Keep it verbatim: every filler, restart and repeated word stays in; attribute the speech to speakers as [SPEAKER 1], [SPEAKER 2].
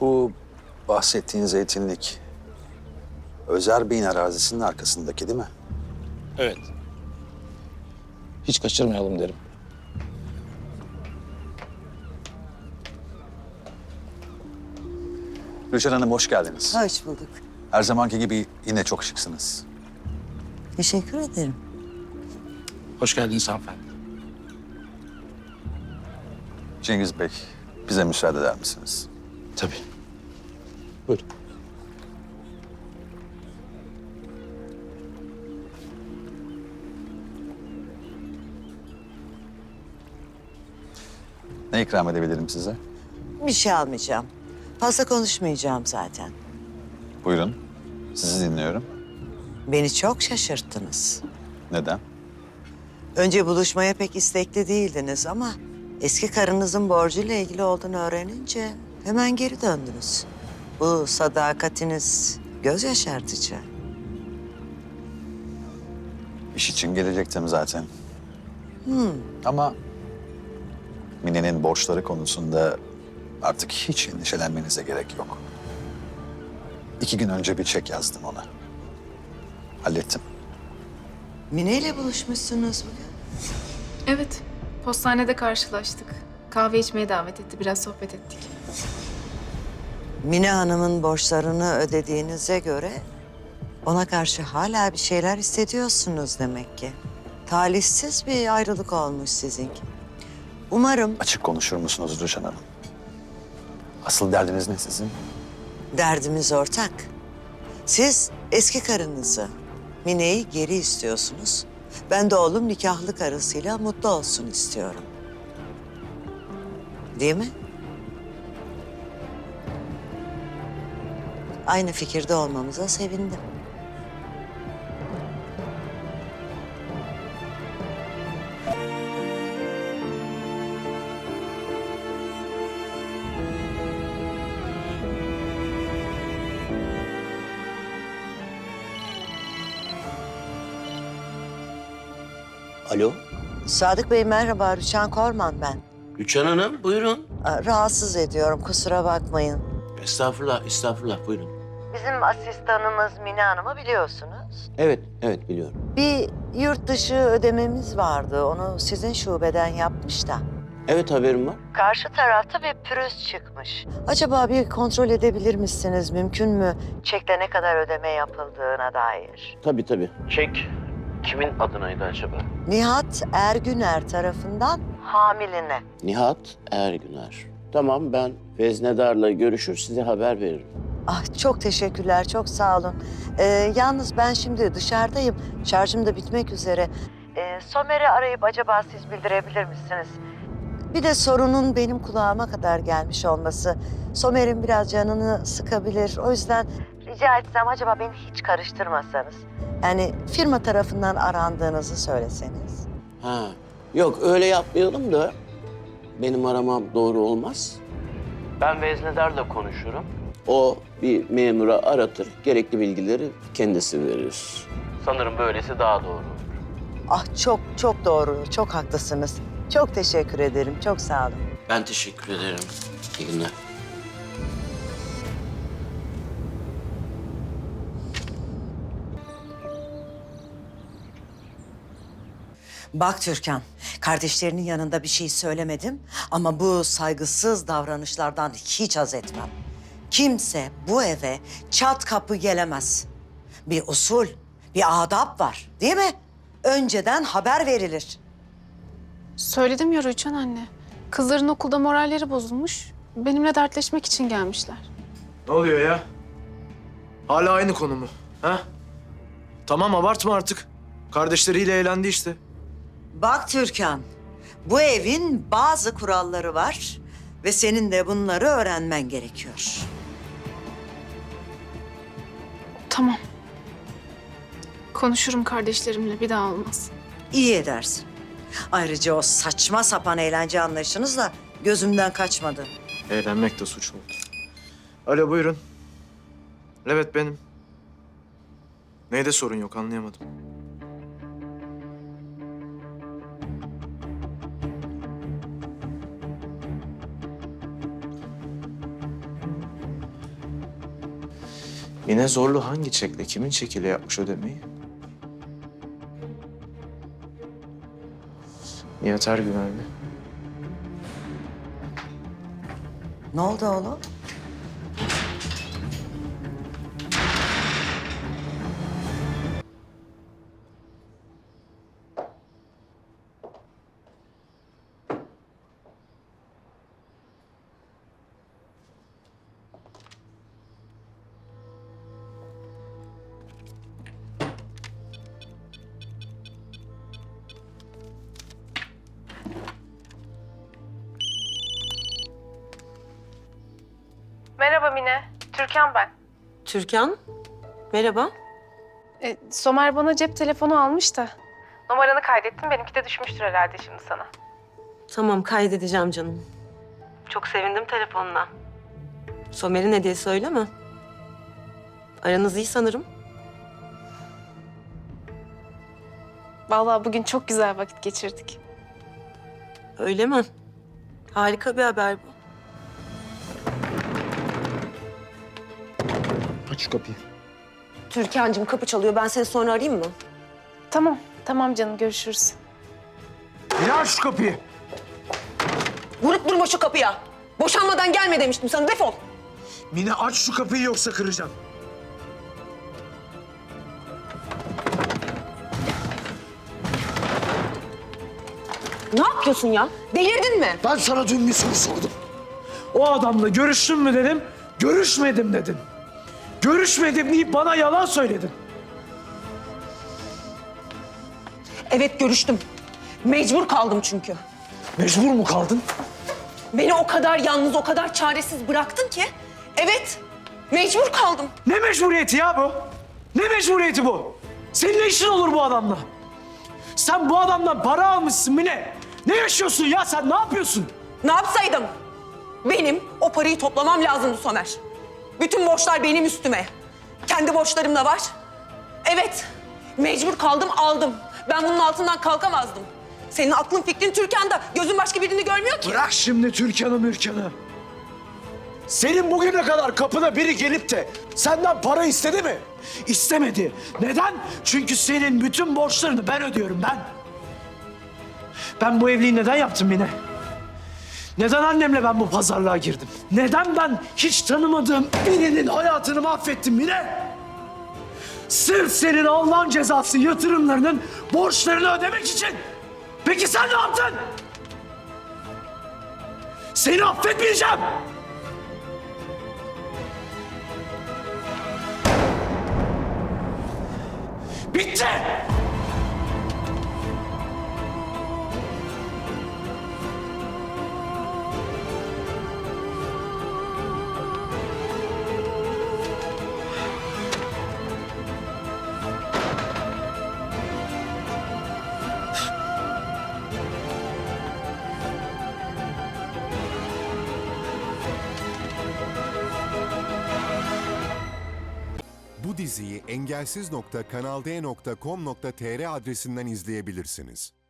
[SPEAKER 1] Bu bahsettiğin zeytinlik Özer Bey'in arazisinin arkasındaki değil mi?
[SPEAKER 2] Evet. Hiç kaçırmayalım derim.
[SPEAKER 1] Rüçhan Hanım hoş geldiniz.
[SPEAKER 3] Hoş bulduk.
[SPEAKER 1] Her zamanki gibi yine çok şıksınız.
[SPEAKER 3] Teşekkür ederim.
[SPEAKER 2] Hoş geldiniz hanımefendi.
[SPEAKER 1] Cengiz Bey, bize müsaade eder misiniz?
[SPEAKER 2] Tabii. Buyurun.
[SPEAKER 1] Ne ikram edebilirim size?
[SPEAKER 3] Bir şey almayacağım. Fazla konuşmayacağım zaten.
[SPEAKER 1] Buyurun, sizi dinliyorum.
[SPEAKER 3] Beni çok şaşırttınız.
[SPEAKER 1] Neden?
[SPEAKER 3] Önce buluşmaya pek istekli değildiniz ama eski karınızın borcuyla ilgili olduğunu öğrenince hemen geri döndünüz. Bu sadakatiniz göz yaşartıcı.
[SPEAKER 1] İş için gelecektim zaten. Ama Mine'nin borçları konusunda artık hiç endişelenmenize gerek yok. İki gün önce bir çek yazdım ona. Hallettim.
[SPEAKER 3] Mine ile buluşmuşsunuz bugün.
[SPEAKER 4] Evet, postanede karşılaştık. Kahve içmeye davet etti, biraz sohbet ettik.
[SPEAKER 3] Mine Hanım'ın borçlarını ödediğinize göre ona karşı hala bir şeyler hissediyorsunuz demek ki. Talihsiz bir ayrılık olmuş sizinki. Umarım
[SPEAKER 1] Açık konuşur musunuz Rüçhan Hanım? Asıl derdiniz ne sizin?
[SPEAKER 3] derdimiz ortak. Siz eski karınızı, Mine'yi geri istiyorsunuz. Ben de oğlum nikahlı karısıyla mutlu olsun istiyorum. Değil mi? Aynı fikirde olmamıza sevindim.
[SPEAKER 5] Alo,
[SPEAKER 3] Sadık Bey merhaba, Rüçhan Korman ben.
[SPEAKER 5] Rüçhan Hanım buyurun.
[SPEAKER 3] Aa, Rahatsız ediyorum, kusura bakmayın.
[SPEAKER 5] Estağfurullah, estağfurullah buyurun.
[SPEAKER 3] Bizim asistanımız Mine Hanım'ı biliyorsunuz.
[SPEAKER 5] Evet, evet biliyorum.
[SPEAKER 3] Bir yurt dışı ödememiz vardı. Onu sizin şubeden yapmış da.
[SPEAKER 5] Evet haberim var.
[SPEAKER 3] Karşı tarafta bir pürüz çıkmış. Acaba bir kontrol edebilir misiniz? Mümkün mü? Çekte ne kadar ödeme yapıldığına dair.
[SPEAKER 5] Tabii tabii. Çek kimin adınaydı acaba?
[SPEAKER 3] Nihat Ergüner tarafından hamiline.
[SPEAKER 5] Nihat Ergüner. Tamam ben veznedarla görüşür size haber veririm.
[SPEAKER 3] Ah çok teşekkürler, çok sağ olun. Ee, yalnız ben şimdi dışarıdayım. Şarjım da bitmek üzere. Ee, Somer'i arayıp acaba siz bildirebilir misiniz? Bir de sorunun benim kulağıma kadar gelmiş olması Somer'in biraz canını sıkabilir. O yüzden rica etsem acaba beni hiç karıştırmasanız. Yani firma tarafından arandığınızı söyleseniz.
[SPEAKER 5] Ha, yok öyle yapmayalım da benim aramam doğru olmaz. Ben veznedarla konuşurum. O bir memura aratır, gerekli bilgileri kendisi verir. Sanırım böylesi daha doğru.
[SPEAKER 3] Ah çok çok doğru, çok haklısınız. Çok teşekkür ederim, çok sağ olun.
[SPEAKER 5] Ben teşekkür ederim. İyi günler.
[SPEAKER 3] Bak Türkan, kardeşlerinin yanında bir şey söylemedim ama bu saygısız davranışlardan hiç haz etmem. Kimse bu eve çat kapı gelemez. Bir usul, bir adap var, değil mi? Önceden haber verilir.
[SPEAKER 4] Söyledim ya Rüçhan anne. Kızların okulda moralleri bozulmuş. Benimle dertleşmek için gelmişler.
[SPEAKER 6] Ne oluyor ya? Hala aynı konu mu? Ha? Tamam abartma artık. Kardeşleriyle eğlendi işte.
[SPEAKER 3] Bak Türkan, bu evin bazı kuralları var ve senin de bunları öğrenmen gerekiyor.
[SPEAKER 4] Tamam. Konuşurum kardeşlerimle, bir daha olmaz.
[SPEAKER 3] İyi edersin. Ayrıca o saçma sapan eğlence anlayışınız da gözümden kaçmadı.
[SPEAKER 6] Eğlenmek de suç mu? Alo buyurun. Evet benim. Neyde sorun yok anlayamadım. Mine Zorlu hangi çekle, kimin çekiyle yapmış ödemeyi? Nihat Ergüven mi?
[SPEAKER 3] Ne oldu oğlum?
[SPEAKER 4] Merhaba Mine. Türkan ben.
[SPEAKER 7] Türkan, merhaba.
[SPEAKER 4] E, Somer bana cep telefonu almış da. Numaranı kaydettim. Benimki de düşmüştür herhalde şimdi sana.
[SPEAKER 7] Tamam, kaydedeceğim canım. Çok sevindim telefonuna. Somer'in hediyesi öyle mi? Aranız iyi sanırım.
[SPEAKER 4] Vallahi bugün çok güzel vakit geçirdik.
[SPEAKER 7] Öyle mi? Harika bir haber bu.
[SPEAKER 6] Aç şu kapıyı.
[SPEAKER 7] Türkan'cığım kapı çalıyor. Ben seni sonra arayayım mı?
[SPEAKER 4] Tamam. Tamam canım. Görüşürüz.
[SPEAKER 6] Mine aç şu kapıyı.
[SPEAKER 7] Vurup durma şu kapıya. Boşanmadan gelme demiştim sana. Defol.
[SPEAKER 6] Mine aç şu kapıyı yoksa kıracağım.
[SPEAKER 7] Ne yapıyorsun ya? Delirdin mi?
[SPEAKER 6] Ben sana dün bir soru sordum. O adamla görüştün mü dedim, görüşmedim dedin. Görüşmedim deyip bana yalan söyledin.
[SPEAKER 7] Evet, görüştüm. Mecbur kaldım çünkü.
[SPEAKER 6] Mecbur mu kaldın?
[SPEAKER 7] Beni o kadar yalnız, o kadar çaresiz bıraktın ki. Evet, mecbur kaldım.
[SPEAKER 6] Ne mecburiyeti ya bu? Ne mecburiyeti bu? Senin ne işin olur bu adamla? Sen bu adamdan para almışsın Mine. Ne yaşıyorsun ya sen? Ne yapıyorsun?
[SPEAKER 7] Ne yapsaydım? Benim o parayı toplamam lazımdı Somer. Bütün borçlar benim üstüme. Kendi borçlarım da var. Evet, mecbur kaldım, aldım. Ben bunun altından kalkamazdım. Senin aklın fikrin Türkan'da. Gözün başka birini görmüyor ki.
[SPEAKER 6] Bırak şimdi Türkan'ı mürkan'ı. Senin bugüne kadar kapına biri gelip de senden para istedi mi? İstemedi. Neden? Çünkü senin bütün borçlarını ben ödüyorum ben. Ben bu evliliği neden yaptım Mine? Neden annemle ben bu pazarlığa girdim? Neden ben hiç tanımadığım birinin hayatını mahvettim Mine? Sırf senin Allah'ın cezası yatırımlarının borçlarını ödemek için. Peki sen ne yaptın? Seni affetmeyeceğim. Bitti.
[SPEAKER 8] Bu diziyi engelsiz nokta kanal d nokta com nokta tr adresinden izleyebilirsiniz.